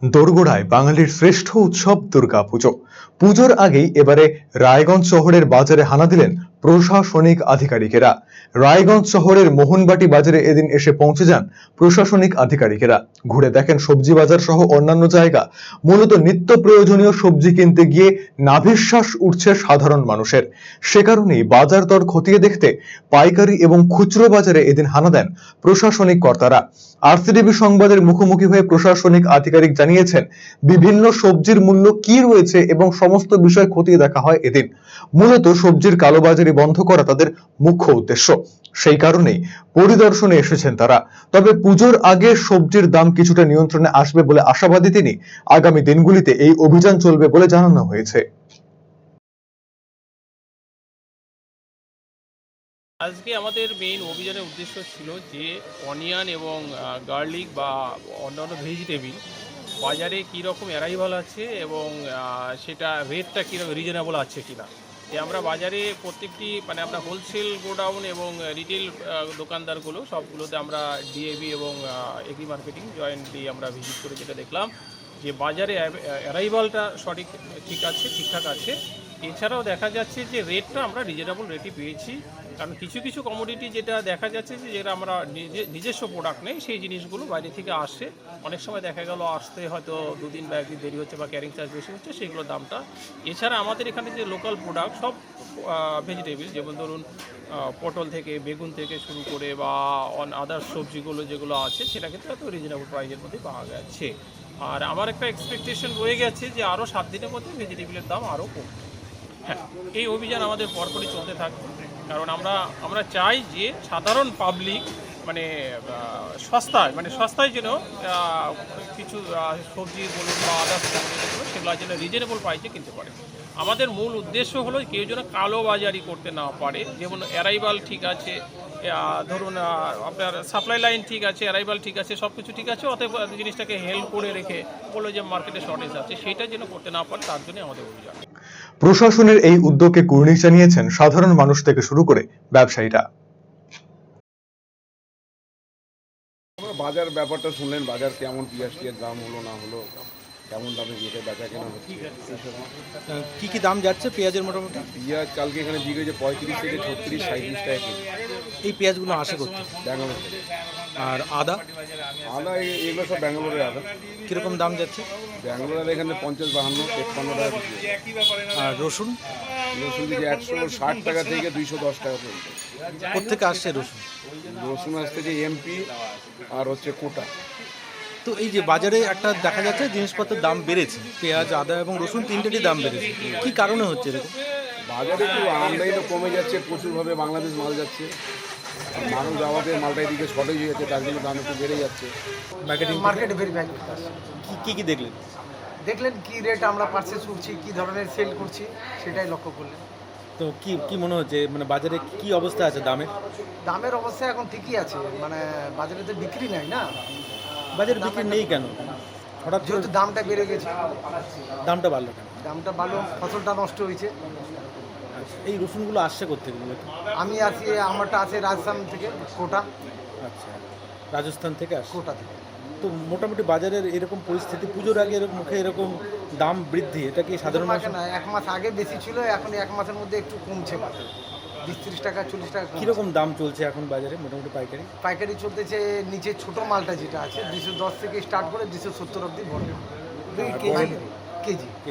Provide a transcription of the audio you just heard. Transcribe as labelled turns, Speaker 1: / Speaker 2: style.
Speaker 1: দোরগোড়ায় বাঙালির শ্রেষ্ঠ উৎসব দুর্গাপুজো। পুজোর আগেই এবারে রায়গঞ্জ শহরের বাজারে হানা দিলেন প্রশাসনিক আধিকারিকেরা। রায়গঞ্জ শহরের মোহনবাটি বাজারে এদিন এসে পৌঁছে যান প্রশাসনিক আধিকারিকেরা। ঘুরে দেখেন সবজি বাজার সহ অন্যান্য জায়গা। মূলত নিত্য প্রয়োজনীয় সবজি কিনতে গিয়ে নাভিশ্বাস উঠছে সাধারণ মানুষের। সে কারণেই বাজার দর খতিয়ে দেখতে পাইকারি এবং খুচরো বাজারে এদিন হানা দেন প্রশাসনিক কর্তারা। আরসিটিভি সংবাদের মুখোমুখি হয়ে প্রশাসনিক আধিকারিক জানিয়েছেন, বিভিন্ন সবজির মূল্য কি রয়েছে এবং সমস্ত বিষয় খতিয়ে দেখা হয় এদিন। মূলত সবজির কালোবাজারি বন্ধ করা তাদের মুখ্য উদ্দেশ্য। সেই কারণেই পরিদর্শনে এসেছেন তারা। তবে পুজোর আগে সবজির দাম কিছুটা নিয়ন্ত্রণে আসবে বলে আশাবাদী তিনি। আগামী দিনগুলিতে এই অভিযান চলবে বলে জানানো হয়েছে।
Speaker 2: আজকে আমাদের মেইন অভিযানের উদ্দেশ্য ছিল যে অনিয়ন এবং গার্লিক বা অন্যান্য ভেজিটেবিল বাজারে কীরকম অ্যারাইভাল আছে এবং সেটা রেটটা কীরকম রিজনেবল আছে কিনা। আমরা বাজারে প্রত্যেকটি আমরা হোলসেল গোডাউন এবং রিটেল দোকানদারগুলো সবগুলোতে আমরা ডিএবি এবং এগ্রি মার্কেটিং জয়েন্টলি আমরা ভিজিট করে যেটা দেখলাম যে বাজারে অ্যারাইভালটা ঠিকঠাক আছে। এছাড়াও দেখা যাচ্ছে যে রেটটা আমরা রিজনেবল রেটই পেয়েছি, কারণ কিছু কিছু কমোডিটি যেটা দেখা যাচ্ছে যে যেটা আমরা নিজস্ব প্রোডাক্ট নেই সেই জিনিসগুলো বাইরে থেকে আসে। অনেক সময় দেখা গেল আসতে হয়তো দুদিন বা একদিন দেরি হচ্ছে বা ক্যারিং চার্জ বেশি হচ্ছে, সেগুলোর দামটা। এছাড়া আমাদের এখানে যে লোকাল প্রোডাক্ট সব ভেজিটেবল, যেমন ধরুন পটল থেকে বেগুন থেকে শুরু করে বা আদার্স সবজিগুলো যেগুলো আছে সেটা কিন্তু এত রিজনেবল প্রাইসের মধ্যে পাওয়া যাচ্ছে। আর আমার একটা এক্সপেকটেশন রয়ে গেছে যে আরও 7 দিনের মধ্যে ভেজিটেবলের দাম আরও কমবে। হ্যাঁ, এই অভিযান আমাদের পরপরই চলতে থাকবে, কারণ আমরা চাই যে সাধারণ পাবলিক সস্তায় যেন কিছু সবজি বলুন বা আদার্স যেগুলো সেগুলো যেন রিজনেবল প্রাইসে কিনতে পারে। আমাদের মূল উদ্দেশ্য হলো কেউ যেন কালোবাজারি করতে না পারে। যেমন অ্যারাইভাল ঠিক আছে, ধরুন আপনার সাপ্লাই লাইন ঠিক আছে, অ্যারাইভাল ঠিক আছে, সব কিছু ঠিক আছে, অতএব জিনিসটাকে হেল্প করে রেখে বললো যে মার্কেটে শর্টেজ আছে, সেইটা যেন করতে না পারে, তার জন্য আমাদের অভিযান।
Speaker 1: প্রশাসনের এই উদ্যোগকে কুর্নিশ জানিয়েছেন সাধারণ মানুষ থেকে শুরু করে ব্যবসায়ীরা।
Speaker 3: বাজার ব্যাপারটা শুনলেন, বাজার কেমন, পেঁয়াজ দাম হলো না হলো, কেমন দামে বেচা কেনা হচ্ছে,
Speaker 4: কি কি দাম যাচ্ছে পেঁয়াজের? মোটামুটি
Speaker 3: পেঁয়াজ কালকে এখানে বিক্রি হয়েছে 35 থেকে 36, 37 টাকা কেজি।
Speaker 4: এই পেঁয়াজগুলো আসে করতে
Speaker 3: ব্যাঙ্গালোর থেকে।
Speaker 4: আর আদা
Speaker 3: এগুলো সব ব্যাঙ্গালোরের আদা।
Speaker 4: কীরকম দাম যাচ্ছে?
Speaker 3: ব্যাঙ্গালোরের এখানে 50, 52, 53 টাকা বিক্রি।
Speaker 4: আর রসুন
Speaker 3: দিকে 160 টাকা থেকে 210 টাকা পর্যন্ত।
Speaker 4: কোথেকে আসছে
Speaker 3: রসুন আসছে যে এমপি আর হচ্ছে কোটা।
Speaker 4: তো এই যে বাজারে একটা দেখা যাচ্ছে জিনিসপত্রের দাম বেড়েছে, পেঁয়াজ, আদা এবং রসুন তিনটেরই দাম বেড়েছে, কি কারণে হচ্ছে এরকম?
Speaker 3: বাজারে একটু আমদানিটা কমে যাচ্ছে, প্রচুরভাবে বাংলাদেশ মাল যাচ্ছে, মানুষ যাওয়াতে মালটা এদিকে শর্টেজ হয়ে যাচ্ছে, তার জন্য দাম একটু বেড়ে যাচ্ছে।
Speaker 5: মার্কেটে ভেরিফাই করতে আসছে।
Speaker 4: কি দেখলেন
Speaker 5: কি রেট আমরা পারচেস করছি, কি ধরনের সেল করছি, সেটাই লক্ষ্য করলেন।
Speaker 4: তো কি মনে হচ্ছে, বাজারে কি অবস্থা আছে
Speaker 5: দামের অবস্থা এখন ঠিকই আছে, বাজারে তো বিক্রি নাই না।
Speaker 4: বাজারে বিক্রি নেই কেন? হঠাৎ
Speaker 5: যেহেতু দামটা বেড়ে গেছে।
Speaker 4: দামটা বাড়লো কেন?
Speaker 5: দামটা বাড়লো, ফসলটা নষ্ট হয়েছে।
Speaker 4: এই রসুনগুলো আসছে কোথেকে?
Speaker 5: আমি আছি, আমারটা আছে রাজস্থান থেকে, কোটা।
Speaker 4: আচ্ছা, রাজস্থান থেকে আসছে।
Speaker 5: কোটা থেকে।
Speaker 4: তো মোটামুটি বাজারের এরকম পরিস্থিতি, পুজোর আগে মুখে এরকম দাম বৃদ্ধি, এটা কি সাধারণ
Speaker 5: মাসে না, 1 মাস আগে বেশি ছিল, এখন 1 মাসের মধ্যে একটু কমছে। 20-30 টাকা, 40 টাকা।
Speaker 4: কীরকম দাম চলছে এখন বাজারে মোটামুটি
Speaker 5: পাইকারি চলতেছে? নিচে ছোট মালটা যেটা আছে 210 থেকে স্টার্ট করে 270 অবধি ভরবে কেজি।